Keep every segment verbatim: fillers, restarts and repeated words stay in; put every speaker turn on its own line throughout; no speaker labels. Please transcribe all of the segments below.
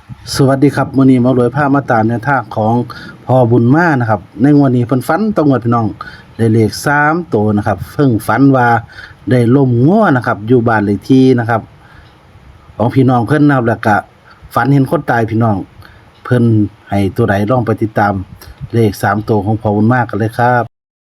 สวัสดีครับมื้อนี้หมารวยพามาตามแนวทางของพ่อบุญมานะครับในงวดนี้เพิ่นฝันตรงกับพี่น้องได้เลขสามตัวนะครับเพิ่งฝันว่าได้ล้มงัวนะครับอยู่บ้านเลขที่นะครับของพี่น้องเพิ่นนะครับแล้วก็ฝันเห็นคนตายพี่น้องเพิ่นให้ตัวใดลองไปติดตามเลขสามตัวของพ่อบุญมากันเลยครับ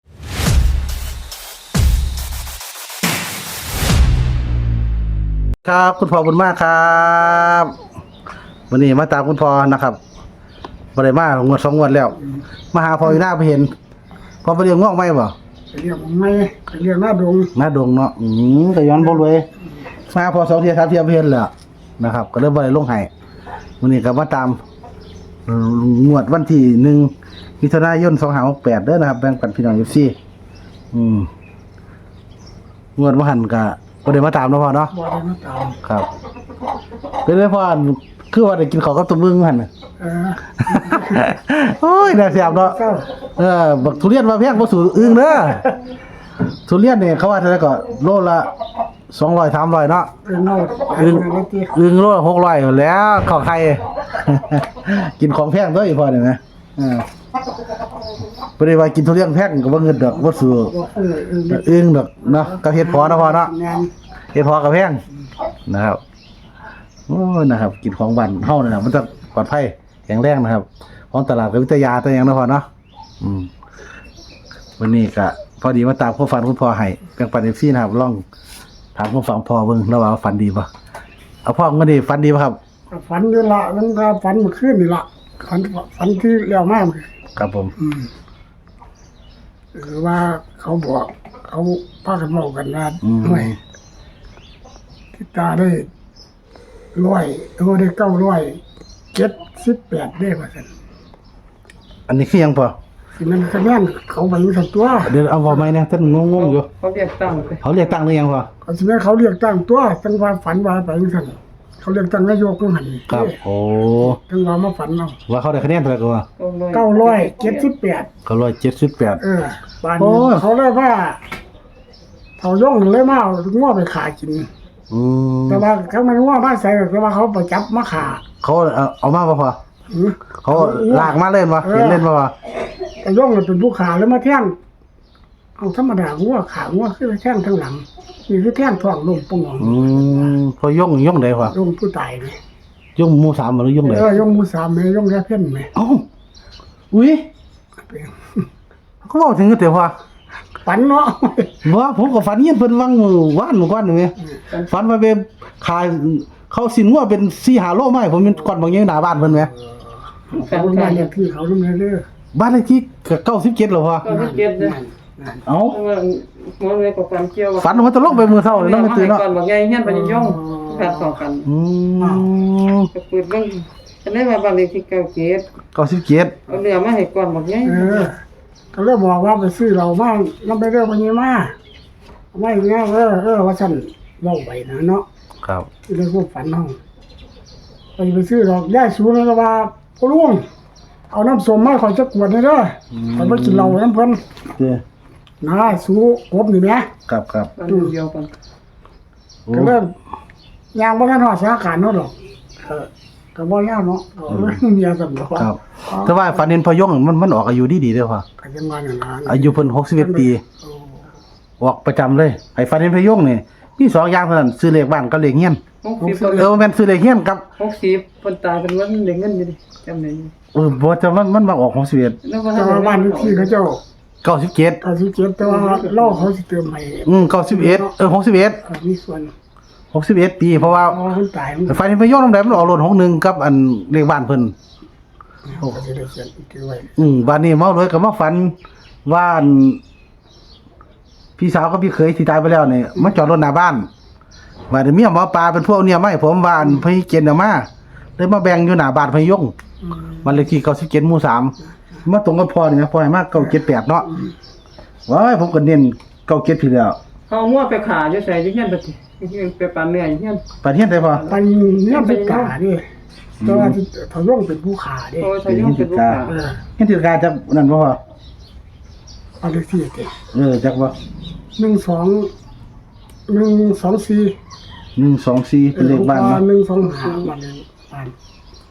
ครับคุณพ่อบุญมาครับวันนี้มาตามคุณพ่อนะครับบ่ได้มางวดสองงวดแล้วมาหาพ่ออยู่หน้าไปเห็นพ่อไปเรียงงอกไหมบ่
เรียกไม่เรียกหน้าดง
หน้าดงเนาะอืมก็ย้อนบ่รวยมาพอสองเที่ยสามเที่ยไปเห็นแล้วนะครับก็เลยบ่ได้ลงให้วันนี้ก็มาตามงวดวันที่หนึ่งมิถุนายนสองห้าหกแปดเด้อนะครับแบ่งปันพี่น้อง เอฟ ซี อืมงวดบ่หันก็บ่ได้มาตามเนาะพ่อเนาะ
บ่ได้มาตาม
ครับเป็นไงพ่อคือว่าได้กินข้าวกับตัวมึงหั่นน่ะ
เออ
โอ้ยน่าเสียบเนาะ
เศร้า
เออบักทุเรียนมาแพงบ่สู่อึ้งเด้อทุเรียนนี่เขาว่าเท่าไหร่ก็โลละสองร้อย สามร้อยเนาะ
เออโน่
อึ้ง
อะไรตี
อึ้งโลละหกร้อยอยู่แล้วข้าวไข่ กินของแพงตัวอีพอนี่นะเออบ่ได้ว่ากินทุเรียนแพงก็บ่เงินดอกบ่สู่
บอกเออเออ
อึ้งดอกเนาะกับเฮ็ดพอเนาะพ่อเนาะ
งาน
เฮ็ดพอกับแพงนะครับโอ้นะครับ กินของบ้านเฮานี่น่ะมันจะปลอดภัยแข็งแรงนะครับของตลาดกับวิทยาตัวอย่างเนาะพ่อเนาะอืมวันนี้ก็พอดีมาตามความฝันคุณพ่อให้แบ่งปัน เอฟ ซี นะครับลองถามความฝันพ่อเบิ่งแล้วว่าฝันดีบ่เอาพ่อมื้อนี้ฝันดีบ่ครับ
ฝันอยู่ละมันก็ฝันเมื่อคืนนี่ละฝันฝันที่แล้วมาก
ครับผม
อืมหรือว่าเขาบอกเขาพากันบอกกันว่าหน่วยที่ตาได้ร้อยเออได้เก้าร้อยเจ็ดสิบแปดได้ว่าซั่น
อันนี้คือหยังพ่อ
สิมันคะแนนเขาไปอยู่สักตัว
เดี๋ยวเอาเว้าใหม่นะท่านงงๆอยู่
เขาเรียกตั้งไป
เขาเรียกตั้งหรือยังพ่อ
เขาสิแม่นเขาเรียกตั้งตัวจังว่าฝันว่าไปจังซั่นเขาเรียกตั้งนายกจังหั่น
ครับโอ้
จังว่ามาฝันเอา
ว่าเขาได้คะแนนเท่าไหร่ก็ว่า
เก้าร้อยเจ็ดสิบแปด
เขาร้อยเจ็ดสิบแปด
เออบ้าน
โอ้
นี้
ย
เขาเลยว่าเขาย่องเลยมาเอาง้อไปขากิน
อืม
แต่ว่าเขาไม่ง้อบ้านใส่แต่ว่าเขาไปจับมาขา
เขาเอาเอามาบ่พ่อ
อือ
เขาลากมาเล่นบ่เห็นเล่นบ่พ่อ
แต่ย่องมันเป็นผู้ขาแล้วมาแท่งเอาธรรมดาง้อขาง้อคือแท่งทั้งหลังนี่คือแท่งท้องลมปง
อืมพอย่องย่องใดพ่อ
ลมผู้ตายเลย
ย่องหมู่สามบ่หรือย่องใด
เออย่องมูสามแม่ย่องแค่เพ่นแม่
เอ้าอุ้ยเขาบอกถึงแต่ว่า
ฝันเนาะ
ว่าผมก็ฝันเห็นเพิ่นวังมือวานมื้อก่อนนี่แหมฝันว่าไปขายเขาสินงัวเป็นสี่ห้าโลไม้ผมเป็นก่อนบางอย่างหน้าบ้านเพิ่นแหม
เขาบ้านเลขที่เขาลุ่มเรื่อย
บ้านเลขที่ก็เก้าสิบเจ็ดแล้วพ่อ
ก็ไม่เก็บเลย
เอ้า
เพราะว่าหมอเลยกับความเกี่ยว
ฝันว่าจะลงไปมื้อเช้านี่เนาะไม่ตื่นเนาะ
ก่อนบอกไงเฮียนไปย่องขาดสองกัน
อืม
ก็เปิดเบิ่งอันนี้ว่าบ้านเลขที่เก้าเจ็ด
เก้าสิบเจ็ด
เอาเรือมาให้ก่อนบอกไง
เออก็เลยบอกว่าไปซื้อเราบ้างน้ำไปเรื่องวันนี้มาไม่เงี้ยเออเออว่าฉันเล่าไปนะเนาะ
ครับ
ที่ได้พวกฝันห้องไปไปซื้อดอกย่าสูงแล้วว่าพ่อลุงเอาน้ำส้มมาขอยจะกวดเลยเด้อขอยไปกินเหล้าน้ำเพิ่น
เด้อ
นะสูกบนี่แหม
ครับครับบ้านเดียวกัน
โอ้
ก็เริ่มยางบ่ทันฮอดสาขาเนาะดอกเออก็บ่ยาวเนาะก็เมียกันบ่
ครับแต่ว่าฝันเห็นพอย่องมันมันออกอายุดีๆเด้อพ่อ
ก็ยังว่านั่นล่ะ
อายุเพิ่นหกสิบเอ็ดปี
โอ้
ออกประจำเลยไอ้ฝันเห็นพย่งนี่มีสองอย่างเท่านั้นซื้อเลขบ้านกับเลขเฮียน
หกสิบ
เออแม่นซื้อเลขเฮียนกับ
หกสิบคนตายเป็นวันเด็กเงินอยู่ดิจำได้อยู่
เออบ่จะมันมันมาออกหกสิบเอ็ด
แล้วว่า
แต่ว่าบ้านเลขที่เขาเจ้า
เก้าสิบเจ็ด
ก็สิเจ็บแต่ว่าเล่าเขาสิเติมให้
อืมเก้าสิบเอ็ดเออหกสิบเอ็ด
เออมีส่วน
หกสิบเอ็ดปีเพราะว่า
เพราะว่าคนตายมัน
ฝันเห็นพย่งนำใดมันออกรถหกหนึ่งกับอันเลขบ้านเพิ่น
เขาก็สิได้เขียนถือไว้
อืมบ้านนี้เมาเลยก็มาฝันว่าอันพี่สาวกับพี่เขยที่ตายไปแล้วนี่มาจอดรถหน้าบ้านว่าเดี๋ยวเมียหมอปลาเป็นพวกเนี่ยไม่ผมว่าอันพี่เกณฑ์เอามาเลยมาแบ่งอยู่หน้าบ้านพย่ง
อืม
บ้านเลขที่เก้าสิบเจ็ดหมู่สามมาตรงกับพ่อนี่นะพ่อให้มาเก้าเจ็ดแปดเนาะว้ายผมก็เน้นเก้าเจ็ดพี่แล้ว
เขามั่วไปขาอยู่ใส่อยู่เฮียนไปสิไปปานเนื้ออยู่เฮียน
ไปเที่ยงได้พ่อ
ไปเนี่ยไปกาดิแต่ว่าที่เขาย่องเป็นผู้ขาดิ
โอ้ยใส่ย่องเป็นลูกค้า
เออ
เห็นถือการจักนั่นบ่พ่อ
บ้านเลขที่เจ็ด
เออจักบ่
หนึ่งสองหนึ่งสองสี่
หนึ่งสองสี่เป็นเลขบ้าน
เออ
เนาะ
หนึ่งสองห้าบ้านเลขบ้าน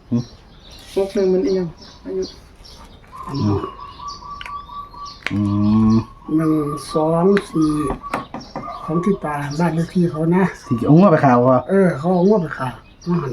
หกหนึ่งมันเอียงอายุ
อืม
หนึ่งสองสี่ของที่ตาบ้านเลขที่เขานะ
ที่เอางัวไปข่าวว่า
เออ เขาเอางวดไปขายมาหัน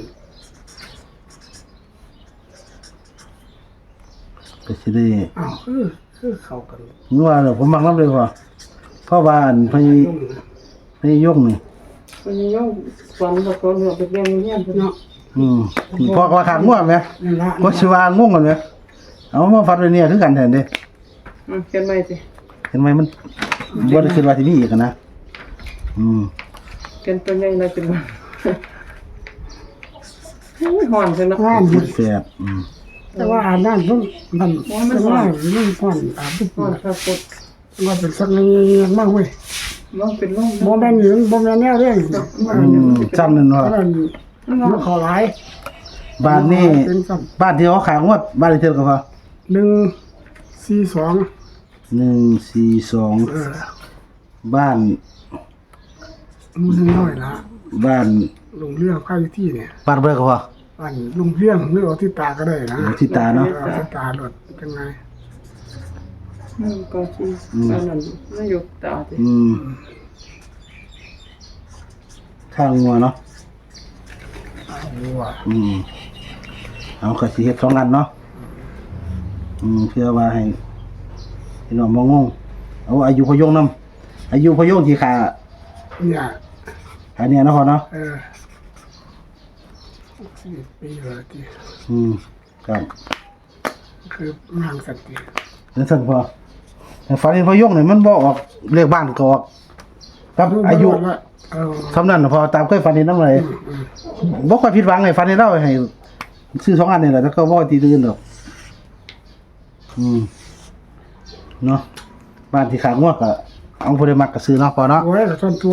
ก็สิได้
อ้าวเออคือเข้ากัน
งัวแล้วผมมักนำเลยว่าเพราะว่าอันพญ
ยุ่งนะ
พญยกนี่
มันยังย่องฝันตะโกนเหลือไปเรียนเรียนเพิ่น
เนาะ
อืมพอว่าขาดงัวไหม
นั่นละ
ก็สิว่างงกันไหมเอามาฟัดไว้เนี่ยคือกันแทนเด้
อืมเขียนใหม่สิ
เห็นไหมมันบ่ได้คิดว่าสิมีอีกอะนะอืม
เขียนตัวใหญ่น่าจะบ่โอ้ยหอนเพิ่นเนาะ
ว่านอยู่
แซ่บอืม
แต่ว่าอ่านนั่นเพิ่งมันเป็นว่าเรื่องพ่อนตามที่
หอนครับกด
ว่าเป็นสักนิดมากเว้ย
ลองเป็นลม
บ่แม่นหญิงบ่แม่นแนวเรื่อง
อืมจำนั่น
เพ
ว่า
ราะนั้นมันขอหลาย
บ้านนี้
เป็นซ้
บ้านที่เขาขายงวดบ้านเลขที่ก็พอ
ำหนึ่งสี่สอง
หนึ่งสี่สอง
เออ
บ้าน
มันน้อยละ
บ้าน
ลงเรื่องค่าอยู่ที่เนี่ย
บ้านเบิ่งก็พอ
อันลงเรื่องหรือเอาที่ตาก็ได้นะ
เอาที่ตาเนาะ
ออที่ตาหลดจังไง
อืมก็สิอันนั้นนายกตาสิ
อืมข้างงัวเนาะ
เอาว่ะ
อืมเอาก็สิเฮ็ดสองอันเนาะอืมเพื่อว่าให้พี่น้องบ่งงเอาอายุพยงนำอายุพยงที่ขา
เนี่ย
อันเนี้ยเนาะพอเนาะ
เออสิบปีเลยที่
อืมครับ
คือนางสันติ
แล้วสั่นพอแต่ฝันเห็นพยงนี่มันบ่ออกเลขบ้านก็ออกครับอายุ
เออ
สำนั้นน่ะพอตามเคยฝันเห็นนำเลย
อืม
บ่ค่อยผิดหวังให้ฝันเห็นเราให้ซื้อสองอันนี่แหละแล้วก็บ่ตีตื่นดอกอืมเนาะบ้านที่ขางวกก็เอาผู้ใดมักก็ซื้อเนาะพอเนาะ
โอ้ยส่วนตัว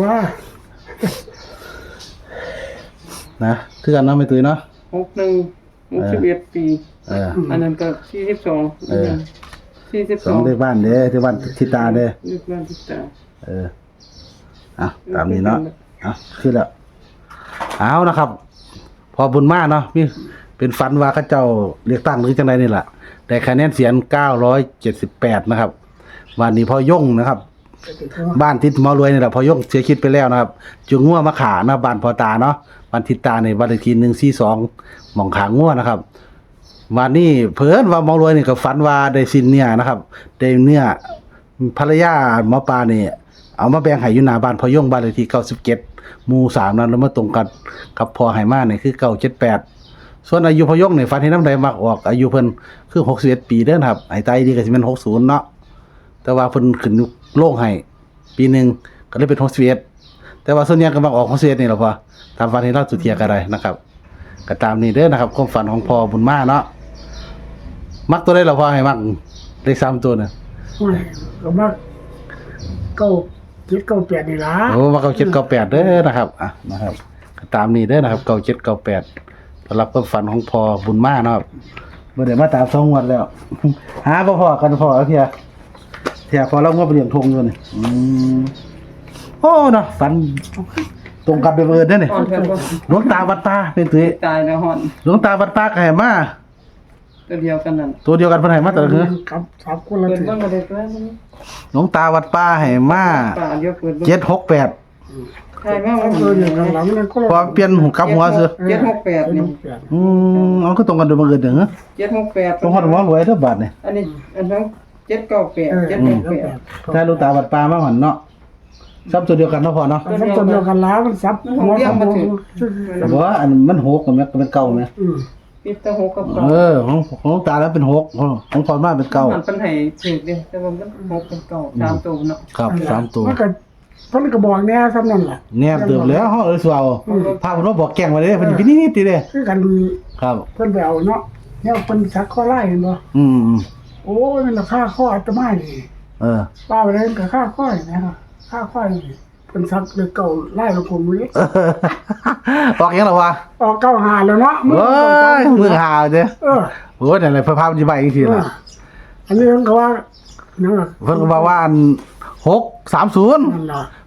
นะคือกันเนาะไม่ตุ้ยเนาะ
หกหนึ่งหกสิบเอ็ดปี
เออ
อันนั้นก็สี่สิบสอง
เออ
สี่สิบ
ส
ส
อ
อง ง
ได้บ้านเด้ที่บ้านทิตาเด้
นึกบ้านติดตา
เอออ่ะตามนี้เนาะอ่ะคือแล้วเอานะครับ พอบุญมากเนาะมีเป็นฝันว่าเขาเจ้าเลือกตั้งหรือจังไดนี่ล่ะแต่คะแนนเสียงเก้าร้อยเจ็ดสิบแปดนะครับวันนี้พอย่งนะครับ บ้านทิศหมอรวยนี่แหละพอย่งเสียชีวิตไปแล้วนะครับจุงงัวมาขานะบ้านพอตาเนาะบ้านทิศตาในบ้านเลขที่หนึ่งสี่สองหม่องขางัวนะครับวันนี้เพิ่นว่าหมอรวยนี่ก็ฝันว่าได้สินเนี่ยนะครับได้เนื้อภรรยาหมอปลานี่เอามาแบ่งให้อยู่หน้าบ้านพอย่งบ้านเลขที่เก้าสิบเจ็ดหมู่สามนั้นแล้วมาตรงกันกับพอไหมานี่คือเก้าเจ็ดแปดส่วนอายุพอย่งนี่ฝันเห็นน้ำใดมักออกอายุเพิ่นคือหกสิบเอ็ดปีเด้อนะครับไอ้ตายดีก็สิเป็นหกสิบเนาะแต่ว่าเพิ่นขึ้นโลกให้ปีหนึงก็เลยเป็นหกสิบเอ็ดแต่ว่าส่วนใหญ่ก็มักออกหกสิบเอ็ดนี่แหละพอตามฝันที่เราสุเทียก็ได้นะครับก็ตามนี้เด้อนะครับความฝันของพ่อบุญมาเนาะมักตัวได้หรอพ่อให้มักเลขสามตัวน่ะ
โอ้ยก็มาเก้าเจ็ดเก้าแปดนี่ล่ะ
โอ้มาเก้าเจ็ดเก้าแปดเด้อนะครับอ่ะนะครับก็ตามนี้เด้อนะครับเก้าเจ็ดเก้าแปดสำหรับความฝันของพ่อบุญมาเนาะเมื่อเดี๋ยวมาตามสองงวดแล้ว หาพ่อพ่อกันพ่อแล้วเทียเทียพอเรางวดไปเรียงทงอยู่นี่อืมโอ้เนาะฝันตรงกับเบเบิร์ดเด้อนี่
หอนเพิ่นก็
หลวงตาวัดป่าเป็นตุ้ย
ตายแล้วหอน
หลวงตาวัดป่าก็ให้มา
ตัวเดียวกันนั่น
ตัวเดียวกันเพิ่นให้มาแต่ละคือ
ครับสามคนละ
เปิด
ถึง
เบิ่งก็ได้ตัวนึง
หลวงตาวัดป่าให้มา
ป่าเดียวเปิดเบิ่ง
เจ็ดหกแปด
ใช่แม่
เอา
ว่า
ตัวอย่างกันหลังนั้นก็
พอเปลี่ยนหูกลับหัวซื้อ
เจ็ดหกแปดนี่
อืมเอาก็ตรงกันโดยบังเอิญเด้อ
เจ็ดหกแปด
ตรงฮอดหัวรวยเด้อบาดนี่
อันนี้อันนั้นเจ็ดเก้าแปดเจ็ดหกแปด
ถ้าหลวงตาวัดป่ามาหั่นเนาะซับตัวเดียวกันเนาะพ่อเนาะ
เอาสักตัวเดียวกันแล้วมันซับหัวซับหัว
แต่ว่าอันมันหกกับแม่ก็เป็นเก่าแม่
อืม
มีแต่หกกับ
เอ
เก้า
อของของหลวงตาแล้วเป็นหกของของพ่อมาเป็นเก่า
มันเป็นให้ถูกเด้แต่ว่ามันหกเป็นเก้าสามตัวเนาะ
ครับสามตัว
มันก็เพิ่นก็บอกแน่ซ้ำนั่นล่ะ
แนบเติมแล้วเฮาเอ้ยสิเอาพาเพิ่นมาบอกแกล้งไว้เด้เพิ่นสิไปนิดๆติเด้
คือกัน
ครับ
เพิ่นไปเอาเนาะเนี่ยเพิ่นซักข้อไล่เห็นบ่
อืม
โอ้ยมันราคาข้ออาตมานี่
เออ
ป้าไปเลยกับค่าข้อนี่นะครับค่าข้อนี่เพิ่นซักเลยเก่าไล่ลงผมเลย
ออกยังล่ะวะ
ออกเก้าหาแล้วเนาะ
เอ้ยมือหาวเด้
เออ
โอ้ยนั่นแหละเพิ่นพามันสิไปอีกที
เออ
ล่ะ
อันนี้เพิ่นก็ว่านั่นล่ะ
เพิ่นก็บอกว่าอันหกสามศูนย์
นั่นล่ะ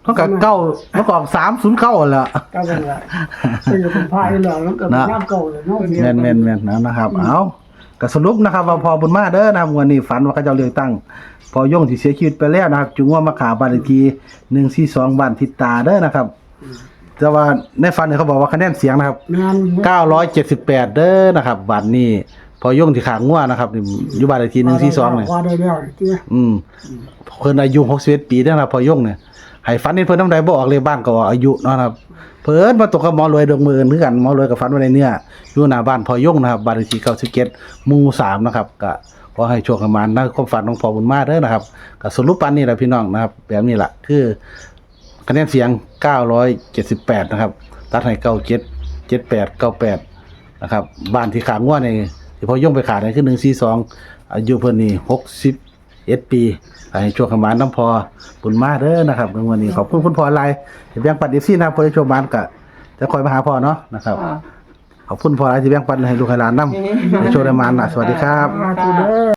มันก็เก้ามันก็ออกสามศูนย์เก้าแหละ
ก็เป็นละเป็นเป็นพายแล้วแล้วก็เป็นน้ำเก่าเลยเนาะ
แม่นแม่นแม่นนะนะครับเอาก็สรุปนะครับว่าพอบุญมาเด้อนะครับวันนี้ฝันว่าเขาเจ้าเลือกตั้งพอย่งที่เสียชีวิตไปแล้วนะครับจุงว่ามาขาบ้านเลขที่หนึ่งสี่สองบ้านทิศตาเด้อนะครับแต่ว่าในฝันเนี่ยเขาบอกว่าคะแนนเสียงนะครับ
แม่น
เก้าร้อยเจ็ดสิบแปดเด้อนะครับบัตรนี้พอย่งที่ขางงัวนะครับนี่อยู่บ้านเลขที่หนึ่งสี่สองเนี่ย
ว่าได้แล้วนี่
อืมเพิ่นอายุหกสิบเอ็ดปีแล้วนะครับพอย่งเนี่ยให้ฝันนี่เพิ่นน้ำใดบ่ออกเลยบ้านก็ว่าอายุเนาะครับเพิ่นมาตกกับหมอรวยดวงมือคือกันหมอรวยกับฝันไว้ในเนี่ยอยู่หน้าบ้านพอย่งนะครับบ้านเลขที่เก้าสิบเจ็ดหมู่สามนะครับก็ขอให้โชคประมาณนะความฝันของพ่อบุญมาเด้อนะครับก็สรุปปานนี้แหละพี่น้องนะครับแบบนี้ล่ะคือคะแนนเสียงเก้าร้อยเจ็ดสิบแปดนะครับตัดให้เก้าเจ็ด เจ็ดแปด เก้าแปดนะครับบ้านที่ขางงัวนี่ที่พอย่งไปขายนี่คือหนึ่งสี่สองอายุเพิ่นนี่หกสิบเอ็ดปีให้โชคประมาณน้ำพอบุญมาเด้อนะครับในวันนี้ขอบคุณคุณพ่ออะไรที่แบ่งปัน เอฟ ซี นะครับพอได้โชคประมาณก็จะคอยมาหาพ่อเนาะนะครับ
ค่ะ
ขอบคุณพ่ออะไรที่แบ่งปันให้ลูกให้หลานนำให้โชคได้มานะสวัสดีครับ
มาคือเด้อ